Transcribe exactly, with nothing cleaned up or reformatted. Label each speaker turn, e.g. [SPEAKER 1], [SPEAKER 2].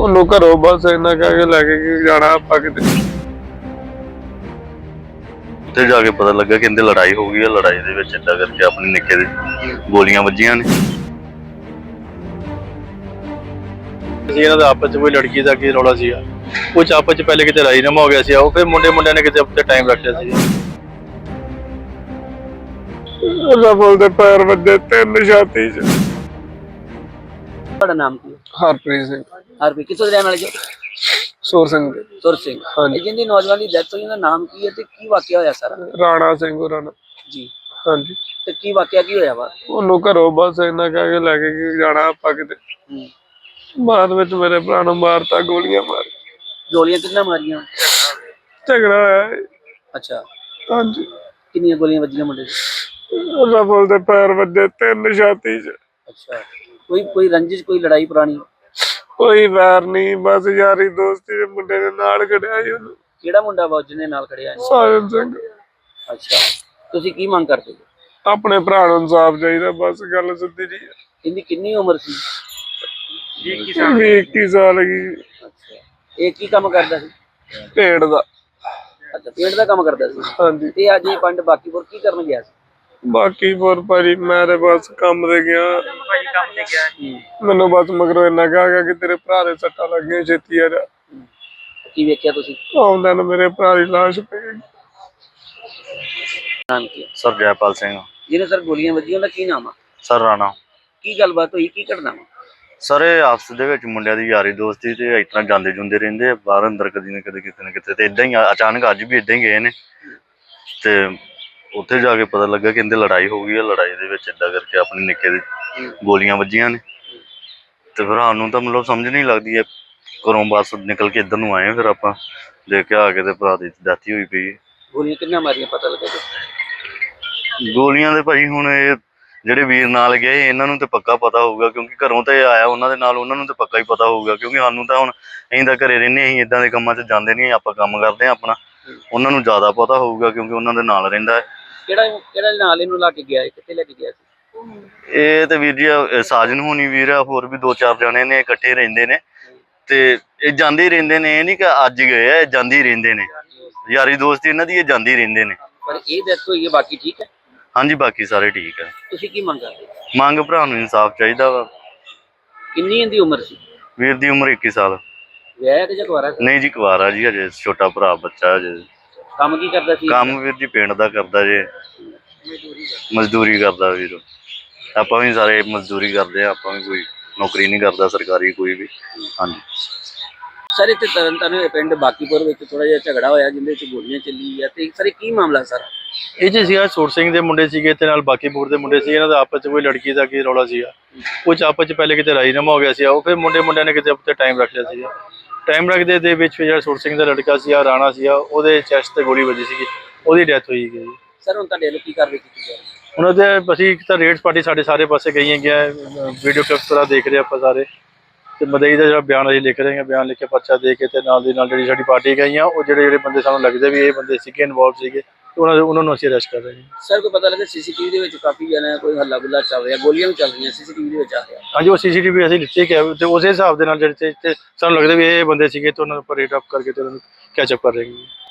[SPEAKER 1] ਉਹਨੂੰ ਘਰੋਂ ਬਸ ਇੰਨਾ ਕਹਿ ਕੇ ਲੈ ਕੇ ਕਿ ਜਾਣਾ ਆਪਾਂ ਕਿਤੇ।
[SPEAKER 2] ਉੱਥੇ ਜਾ ਕੇ ਪਤਾ ਲੱਗਾ ਕਿ ਇਹਦੇ ਲੜਾਈ ਹੋ ਗਈ ਹੈ। ਲੜਾਈ ਦੇ ਵਿੱਚ ਏਦਾਂ ਕਰਕੇ ਆਪਣੇ ਨਿੱਕੇ ਦੇ ਗੋਲੀਆਂ ਵੱਜੀਆਂ ਨੇ।
[SPEAKER 3] ਇਹਨਾਂ ਦਾ ਆਪਸ ਚ ਕੋਈ ਲੜਕੀ ਦਾ ਕੀ ਰੌਲਾ ਸੀਗਾ, ਕੁਝ ਆਪਸ ਚ ਪਹਿਲੇ ਕਿਤੇ ਰਾਜੀਨਾਮਾ ਹੋ ਗਿਆ ਸੀ, ਉਹ ਫਿਰ ਮੁੰਡੇ ਮੁੰਡਿਆਂ ਨੇ ਕਿਤੇ ਉੱਤੇ ਟਾਈਮ ਰੱਖ ਲਿਆ ਸੀ।
[SPEAKER 1] ਰਫਲ ਦੇ ਪੈਰ ਵੱਜੇ ਤਿੰਨ ਛਾਤੀ 'ਚ।
[SPEAKER 4] ਤੁਹਾਡਾ ਨਾਮ ਕੀ ਹੈ?
[SPEAKER 1] ਹਰਪ੍ਰੀਤ ਸਿੰਘ।
[SPEAKER 4] ਹਰਪ੍ਰੀਤ ਕਿੱਥੋਂ ਦੇ ਰਹਿਣ ਵਾਲੇ ਜੀ?
[SPEAKER 1] ਸੁਰ ਸਿੰਘ ਦੇ।
[SPEAKER 4] ਸੁਰ ਸਿੰਘ।
[SPEAKER 1] ਹਾਂਜੀ।
[SPEAKER 4] ਜਿਹਦੀ ਨੌਜਵਾਨ ਦੀ ਡੈਥ ਹੋਈ ਉਹਦਾ ਨਾਮ ਕੀ ਹੈ ਤੇ ਕੀ ਵਾਕਿਆ ਹੋਇਆ ਸਾਰਾ?
[SPEAKER 1] ਰਾਣਾ ਸਿੰਘ ਹੋਰਾਂ ਨਾਲ।
[SPEAKER 4] ਜੀ।
[SPEAKER 1] ਹਾਂਜੀ।
[SPEAKER 4] ਤੇ ਕੀ ਵਾਕਿਆ ਕੀ ਹੋਇਆ ਵਾ?
[SPEAKER 1] ਉਹਨੂੰ ਘਰੋਂ ਬਸ ਇੰਨਾ ਕਹਿ ਕੇ ਲੈ ਕੇ ਕਿ ਜਾਣਾ ਆਪਾਂ ਕਿਤੇ।
[SPEAKER 4] ਹੂੰ।
[SPEAKER 1] ਬਾਅਦ ਵਿੱਚ ਮੇਰੇ ਭਰਾ ਨੂੰ ਮਾਰਤਾ, ਗੋਲੀਆਂ ਮਾਰ।
[SPEAKER 4] ਗੋਲੀਆਂ ਕਿੰਨਾ ਮਾਰੀਆਂ?
[SPEAKER 1] ਝਗੜਾ ਹੋਇਆ ਹੈ।
[SPEAKER 4] ਅੱਛਾ।
[SPEAKER 1] ਹਾਂਜੀ।
[SPEAKER 4] ਕਿੰਨੀਆਂ ਗੋਲੀਆਂ ਵੱਜੀਆਂ ਮੁੰਡੇ ਦੇ?
[SPEAKER 1] ਰਫਲ ਦੇ ਪੈਰ ਵੱਜੇ ਤਿੰਨ ਛਾਤੀ 'ਚ।
[SPEAKER 4] ਅੱਛਾ। ਕੋਈ ਕੋਈ ਰੰਜਿਸ਼, ਕੋਈ ਲੜਾਈ ਪੁਰਾਣੀ?
[SPEAKER 1] ਕੋਈ ਵੈਰ ਨਹੀਂ, ਬਸ ਯਾਰੀ ਦੋਸਤੀ ਦੇ ਮੁੰਡੇ ਦੇ ਨਾਲ ਖੜਿਆ ਸੀ ਉਹਨੂੰ।
[SPEAKER 4] ਕਿਹੜਾ ਮੁੰਡਾ ਵਾ ਜਿਹਨੇ ਨਾਲ ਖੜਿਆ ਹੈ?
[SPEAKER 1] ਸਾਜਨ ਸਿੰਘ।
[SPEAKER 4] ਅੱਛਾ। ਤੁਸੀਂ ਕੀ ਮੰਗ ਕਰਦੇ ਹੋ?
[SPEAKER 1] ਆਪਣੇ ਭਰਾ ਨੂੰ ਇਨਸਾਫ ਚਾਹੀਦਾ, ਬਸ ਗੱਲ ਸਿੱਧੀ ਜੀ।
[SPEAKER 4] ਇਹਦੀ ਕਿੰਨੀ ਉਮਰ ਸੀ?
[SPEAKER 1] ਵੀਹ ਇੱਕੀ ਸਾਲ ਗਈ।
[SPEAKER 4] ਅੱਛਾ। ਇਹ ਕੀ ਕੰਮ ਕਰਦਾ ਸੀ?
[SPEAKER 1] ਪੇੜ ਦਾ।
[SPEAKER 4] ਅੱਛਾ, ਪੇਂਟ ਦਾ ਕੰਮ ਕਰਦਾ ਸੀ।
[SPEAKER 1] ਹਾਂਜੀ।
[SPEAKER 4] ਤੇ ਅੱਜ ਇਹ ਪਿੰਡ ਬਾਕੀਪੁਰ ਕੀ ਕਰਨ ਗਿਆ ਸੀ?
[SPEAKER 1] ਬਾਕੀ ਹੋਰ ਭਾਜੀ ਮੈਂ ਤੇ ਬਸ ਕੰਮ ਤੇ ਗਿਆ।
[SPEAKER 4] ਕੰਮ ਤੇ ਗਿਆ।
[SPEAKER 1] ਮੈਨੂੰ ਬਸ ਮਗਰੋਂ ਇੰਨਾ ਕਿਹਾ ਗਿਆ ਕਿ ਤੇਰੇ ਭਰਾ ਦੇ ਸੱਟਾਂ ਲੱਗੀਆਂ, ਛੇਤੀ ਆ ਜਾ।
[SPEAKER 4] ਕੀ ਵੇਖਿਆ ਤੁਸੀਂ?
[SPEAKER 1] ਆਉਂਦਾ ਨੂੰ ਮੇਰੇ ਭਰਾ ਦੀ ਲਾਸ਼ ਪਈ।
[SPEAKER 4] ਨਾਮ ਕੀ ਹੈ?
[SPEAKER 2] ਸਰ ਜੈਪਾਲ ਸਿੰਘ।
[SPEAKER 4] ਜਿਹਨੇ ਸਰ ਗੋਲੀਆਂ ਵੱਜੀਆਂ ਉਹਦਾ ਕੀ ਨਾਮ ਆ?
[SPEAKER 2] ਸਰ ਰਾਣਾ।
[SPEAKER 4] ਕੀ ਗੱਲਬਾਤ ਹੋਈ, ਕੀ ਘਟਨਾ ਵਾ?
[SPEAKER 2] ਸਰ ਇਹ ਆਪਸ ਦੇ ਵਿੱਚ ਮੁੰਡਿਆਂ ਦੀ ਯਾਰੀ ਦੋਸਤੀ ਤੇ ਇਸ ਤਰ੍ਹਾਂ ਜਾਂਦੇ ਜੁੰਦੇ ਰਹਿੰਦੇ ਆ ਬਾਹਰ ਅੰਦਰ, ਕਦੀ ਨਾ ਕਦੇ ਕਿਤੇ ਨਾ ਕਿਤੇ। ਤੇ ਇਦਾਂ ਹੀ ਅਚਾਨਕ ਅੱਜ ਵੀ ਇਦਾਂ ਹੀ ਗਏ ਨੇ ਤੇ ਉੱਥੇ ਜਾ ਕੇ ਪਤਾ ਲੱਗਾ ਕਿ ਇਹਦੇ ਲੜਾਈ ਹੋ ਗਈ ਹੈ। ਲੜਾਈ ਦੇ ਵਿੱਚ ਏਦਾਂ ਕਰਕੇ ਆਪਣੇ ਨਿੱਕੇ ਦੇ ਗੋਲੀਆਂ ਵੱਜੀਆਂ ਨੇ। ਤੇ ਫਿਰ ਸਾਨੂੰ ਤਾਂ ਮਤਲਬ ਸਮਝ ਨਹੀਂ ਲੱਗਦੀ ਹੈ। ਘਰੋਂ ਬੱਸ ਨਿਕਲ ਕੇ ਇੱਧਰ ਨੂੰ ਆਏ ਫਿਰ ਆਪਾਂ ਦੇਖ ਕੇ ਆ ਕੇ ਤੇ ਭਰਾ ਦੀ ਡੈਥ ਹੋਈ ਪਈ ਹੈ।
[SPEAKER 4] ਗੋਲੀਆਂ ਕਿੰਨਾ ਮਾਰੀਆਂ ਪਤਾ ਲੱਗਾ ਜੀ?
[SPEAKER 2] ਗੋਲੀਆਂ ਦੇ ਭਾਈ ਹੁਣ ਇਹ ਜਿਹੜੇ ਵੀਰ ਨਾਲ ਗਏ ਇਹਨਾਂ ਨੂੰ ਤੇ ਪੱਕਾ ਪਤਾ ਹੋਊਗਾ, ਕਿਉਂਕਿ ਘਰੋਂ ਤੇ ਆਇਆ ਉਹਨਾਂ ਦੇ ਨਾਲ, ਉਹਨਾਂ ਨੂੰ ਤੇ ਪੱਕਾ ਹੀ ਪਤਾ ਹੋਊਗਾ। ਕਿਉਂਕਿ ਸਾਨੂੰ ਤਾਂ ਹੁਣ ਅਸੀਂ ਤਾਂ ਘਰੇ ਰਹਿੰਦੇ, ਅਸੀਂ ਇਦਾਂ ਦੇ ਕੰਮਾਂ 'ਚ ਜਾਂਦੇ ਨਹੀਂ, ਆਪਾਂ ਕੰਮ ਕਰਦੇ ਹਾਂ ਆਪਣਾ। ਉਹਨਾਂ ਨੂੰ ਜ਼ਿਆਦਾ ਪਤਾ ਹੋਊਗਾ ਕਿਉਂਕਿ ਉਹਨਾਂ ਦੇ ਨਾਲ ਰਹਿੰਦਾ ਹੈ।
[SPEAKER 4] ਕਿਹੜਾ ਕਿਹੜਾ ਨਾਲ ਇਹਨੂੰ ਲਾ ਕੇ ਗਿਆ, ਕਿੱਥੇ ਲੈ ਕੇ ਗਿਆ ਸੀ?
[SPEAKER 2] ਇਹ ਤੇ ਵੀਰ ਜੀ ਸਾਜਨ ਹੋਣੀ ਵੀਰ ਆ, ਹੋਰ ਵੀ ਦੋ ਚਾਰ ਜਣੇ ਨੇ, ਇਕੱਠੇ ਰਹਿੰਦੇ ਨੇ ਤੇ ਇਹ ਜਾਂਦੇ ਹੀ ਰਹਿੰਦੇ ਨੇ। ਇਹ ਨਹੀਂ ਕਿ ਅੱਜ ਗਏ ਆ, ਇਹ ਜਾਂਦੇ ਹੀ ਰਹਿੰਦੇ ਨੇ। ਯਾਰੀ ਦੋਸਤੀ ਇਹਨਾਂ ਦੀ, ਇਹ ਜਾਂਦੇ ਹੀ ਰਹਿੰਦੇ ਨੇ।
[SPEAKER 4] ਪਰ ਇਹ ਡੈਥ ਹੋਈ ਹੈ, ਬਾਕੀ ਠੀਕ ਹੈ?
[SPEAKER 2] ਹਾਂਜੀ, ਬਾਕੀ ਸਾਰੇ ਠੀਕ ਹੈ।
[SPEAKER 4] ਤੁਸੀਂ ਕੀ ਮੰਗ ਕਰਦੇ?
[SPEAKER 2] ਮੰਗ ਭਰਾ ਨੂੰ ਇਨਸਾਫ ਚਾਹੀਦਾ ਵਾ।
[SPEAKER 4] ਕਿੰਨੀ ਇਹਦੀ ਉਮਰ ਸੀ?
[SPEAKER 2] ਵੀਰ ਦੀ ਉਮਰ ਇੱਕੀ ਸਾਲ।
[SPEAKER 4] ਵਿਆਹ ਕਿ ਜਾਂ ਕੁਆਰਾ ਸੀ?
[SPEAKER 2] ਨਹੀਂ ਜੀ, ਕੁਆਰਾ ਜੀ, ਹਜੇ ਛੋਟਾ ਭਰਾ ਬੱਚਾ ਹਜੇ।
[SPEAKER 4] ਕੰਮ ਕੀ ਕਰਦਾ ਸੀ?
[SPEAKER 2] ਕੰਮ ਵੀਰ ਜੀ ਪਿੰਡ ਦਾ ਕਰਦਾ ਜੇ, ਮਜ਼ਦੂਰੀ ਕਰਦਾ ਵੀਰ। ਆਪਾਂ ਵੀ ਸਾਰੇ ਮਜ਼ਦੂਰੀ ਕਰਦੇ ਆ, ਆਪਾਂ ਵੀ ਕੋਈ ਨੌਕਰੀ ਨਹੀਂ ਕਰਦਾ ਸਰਕਾਰੀ ਕੋਈ ਵੀ। ਹਾਂਜੀ
[SPEAKER 4] ਸਰ, ਇੱਥੇ ਤਰਨ ਤਾਰਨ ਪਿੰਡ ਬਾਕੀਪੁਰ ਵਿੱਚ ਥੋੜਾ ਜਿਹਾ ਝਗੜਾ ਹੋਇਆ ਜਿਹਦੇ ਵਿੱਚ ਗੋਲੀਆਂ ਚੱਲੀ ਆ, ਤੇ ਸਰ ਕੀ ਮਾਮਲਾ ਸਾਰਾ?
[SPEAKER 3] ਇਹ ਜੀ ਸੀਗਾ ਸੁਰ ਸਿੰਘ ਦੇ ਮੁੰਡੇ ਸੀਗੇ ਤੇ ਨਾਲ ਬਾਕੀਪੁਰ ਦੇ ਮੁੰਡੇ ਸੀ। ਇਹਨਾਂ ਦਾ ਆਪਸ ਚ ਕੋਈ ਲੜਕੀ ਦਾ ਕੀ ਰੌਲਾ ਸੀਗਾ, ਕੁਝ ਆਪਸ ਚ ਪਹਿਲੇ ਕਿਤੇ ਰਾਜੀਨਾਮਾ ਹੋ ਗਿਆ ਸੀ, ਉਹ ਫਿਰ ਮੁੰਡੇ ਮੁੰਡਿਆਂ ਨੇ ਕਿਤੇ ਉੱਤੇ ਟਾਈਮ ਰੱਖ ਲਿਆ ਸੀਗਾ। ਟਾਈਮ ਰੱਖਦੇ ਦੇ ਵਿੱਚ ਜਿਹੜਾ ਸੁਰ ਸਿੰਘ ਦਾ ਲੜਕਾ ਸੀ ਰਾਣਾ ਸੀ, ਉਹਦੇ ਚੈਸਟ ਤੇ ਗੋਲੀ ਵੱਜੀ ਸੀਗੀ, ਉਹਦੀ ਡੈਥ ਹੋਈ ਗਈ।
[SPEAKER 4] ਸਰ ਹੁਣ ਤੁਹਾਡੇ ਵੱਲੋਂ ਕੀ ਕਾਰਵਾਈ ਕੀਤੀ ਜਾ ਰਹੀ ਹੈ?
[SPEAKER 3] ਉਹਨਾਂ ਦੇ ਅਸੀਂ ਇੱਕ ਤਾਂ ਰੇਡਸ ਪਾਰਟੀ ਸਾਡੇ ਸਾਰੇ ਪਾਸੇ ਗਈਆਂ ਗਿਆ, ਵੀਡੀਓ ਕਲਿੱਪਸ ਤਰ੍ਹਾਂ ਦੇਖ ਰਹੇ ਆਪਾਂ ਸਾਰੇ, ਤੇ ਮਦਈ ਦਾ ਜਿਹੜਾ ਬਿਆਨ ਅਸੀਂ ਲਿਖ ਰਹੇ ਹਾਂ, ਬਿਆਨ ਲਿਖ ਕੇ ਪਰਚਾ ਦੇ ਕੇ ਤੇ ਨਾਲ ਦੀ ਨਾਲ ਜਿਹੜੀ ਸਾਡੀ ਪਾਰਟੀ ਗਈਆਂ, ਉਹ ਜਿਹੜੇ ਜਿਹੜੇ ਬੰਦੇ ਸਾਨੂੰ ਲੱਗਦੇ ਵੀ ਇਹ ਬੰਦੇ ਸੀਗੇ ਇਨਵੋਲਵ ਸੀਗੇ, ਉਹਨਾਂ ਉਹਨਾਂ ਨੂੰ ਅਸੀਂ ਅਰੈਸਟ ਕਰ ਰਹੇ ਹਾਂ।
[SPEAKER 4] ਸਰ ਕੋਈ ਪਤਾ ਲੱਗਾ ਸੀਸੀਟੀਵੀ ਦੇ ਵਿੱਚ ਕਾਫੀ ਜਣਾ ਕੋਈ ਹੱਲਾ ਗੁੱਲਾ ਚੱਲ ਰਿਹਾ, ਗੋਲੀਆਂ ਵੀ ਚੱਲ ਰਹੀਆਂ, ਸੀਸੀਟੀਵੀ ਦੇ ਵਿੱਚ ਆ ਰਿਹਾ?
[SPEAKER 3] ਹਾਂਜੀ, ਉਹ ਸੀਸੀਟੀਵੀ ਅਸੀਂ ਲਿੱਤੇ ਕਿ ਤੇ ਉਸੇ ਹਿਸਾਬ ਦੇ ਨਾਲ ਜਿਹੜੇ ਤੇ ਸਾਨੂੰ ਲੱਗਦਾ ਵੀ ਇਹ ਬੰਦੇ ਸੀਗੇ ਤੇ ਉਹਨਾਂ ਉੱਪਰ ਰੇਟ ਅਪ ਕਰਕੇ ਤੇ ਉਹਨਾਂ ਨੂੰ ਕੈਚ ਅਪ ਕਰ ਰਹੇ ਹਾਂ।